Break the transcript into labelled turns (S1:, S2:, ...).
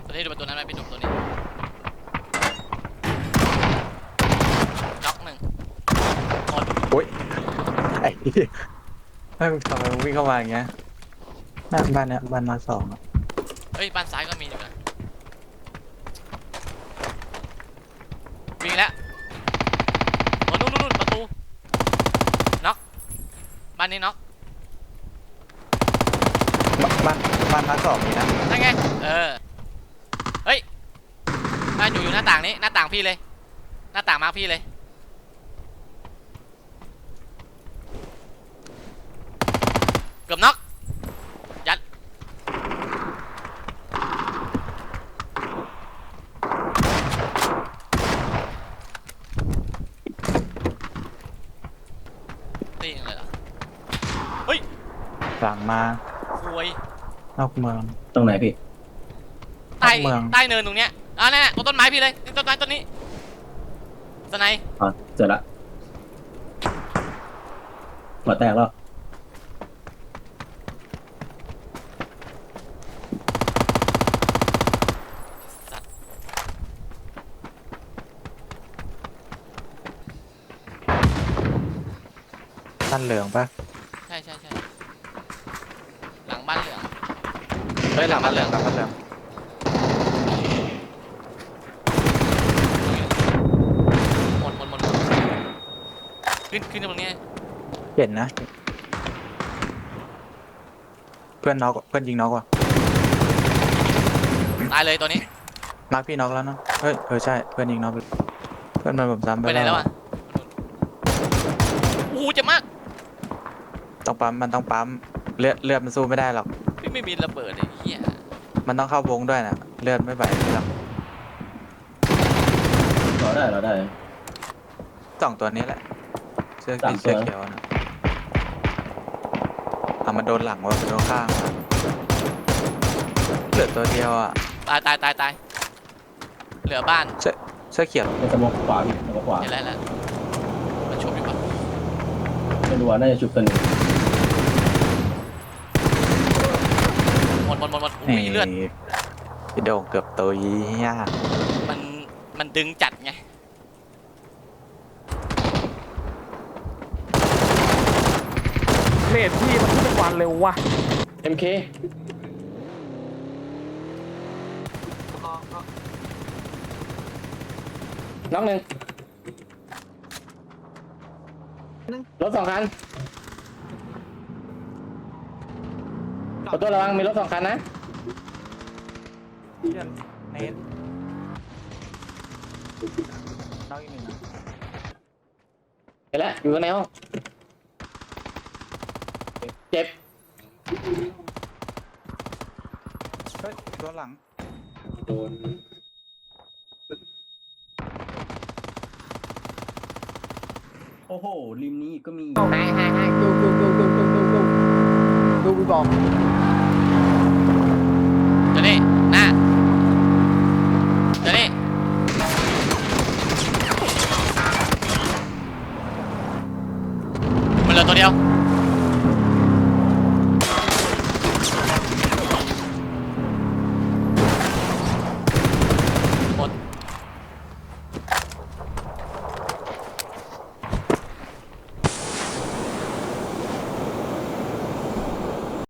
S1: ตัวนี้ดูประตูนั้นไหมพี่หนุ่มตัวนี้น็อกหนึ่งหมด
S2: โอ้ยไอ้เหี้ยไม่มึงทำไมมึงวิ่งเข้ามาอย่างเงี้ยหน้าบ้านเนี้ยบ้านมาสองอะ
S1: เฮ้ยบ้านซ้ายก็มีอยู่นะวิ่งแล้วโอ้นู่นประตูน็อกบ้านนี้น็อก
S2: บ้านมาสองนี่นะ
S1: นั่นไงเฮ้ยบ้านอยู่หน้าต่างนี้หน้าต่างพี่เลยหน้าต่างมาร์คพี่เลยเกือบน็อกยัดตีอย่างไรเหรอเฮ้ย
S2: หลังมา
S1: คุย
S2: นอกเมือง
S3: ตรงไหนพี่
S1: ใต้
S2: เมือง
S1: ใต้เนินตรงเนี้ยนั่นต้นไม้พี่เลยต้นไม้ต้นนี้สไน
S3: อ๋อเจอละหัวแตกแล้ว
S1: สัตว์
S2: บ้านเหลืองปะ
S1: ใช่หลังบ้านเหลือง
S2: เฮ้ยหลังบ้านเหลืองหลังบ้านเหลือง
S1: หมดขึ้นตรงนี้
S2: เห็นนะเพื่อนน็อกเพื่อนยิงน็อกว่ะ
S1: ตายเลยตัวนี้
S2: มาร์คพี่น็อกแล้วเนาะเฮ้ยใช่เพื่อนยิงน็อกเพื่อนมันผมซ้ำ
S1: ไปไหนแล้วอ่ะโอ้โหเจ็บมาก
S2: ต้องปั๊มมันต้องปั๊มเลือดมันสู้ไม่ได้หรอก
S1: พี่ไม่มีระเบิดไอ้เหี้ย
S2: มันต้องเข้าวงด้วยนะเลือดไม่ไหวหรอก
S3: เราได้
S2: สองตัวนี้แหละเสื้อ
S3: สาม
S2: เสื้อ
S3: ตัว
S2: เขียวนะมันโดนหลังว่ะมันโดนข้างว่ะเหลือตัวเดียวอ่ะ
S1: ตายเหลือบ้าน
S2: เสื้อเขียว
S3: ในสมองขวาพี่สมองขวา
S1: เห็นแล้วมันชุบอยู่ปะ
S3: ไม่รู้ว่าน่าจะชุบตัวหนึง
S1: หมดอุ้ยเลือด
S2: พี่โด่งเกือบตัวยี่ยาก
S1: มันดึงจัดไง
S4: เลทพี่มันขึ้นเป็นวันเร็วว่ะ
S3: MK น้องหนึ่งรถสองคันประตูระวังมีรถสองคันนะ
S2: เพื่อนเน้นน้องอีกหนึ่งนะ
S3: เห็นแล้วอยู่ข้างในห้องเจ็บ
S2: เฮ้ยตัวหลัง
S3: โดน โอ้โหริมนี้ก็มี
S4: ให้ดูพี่บอก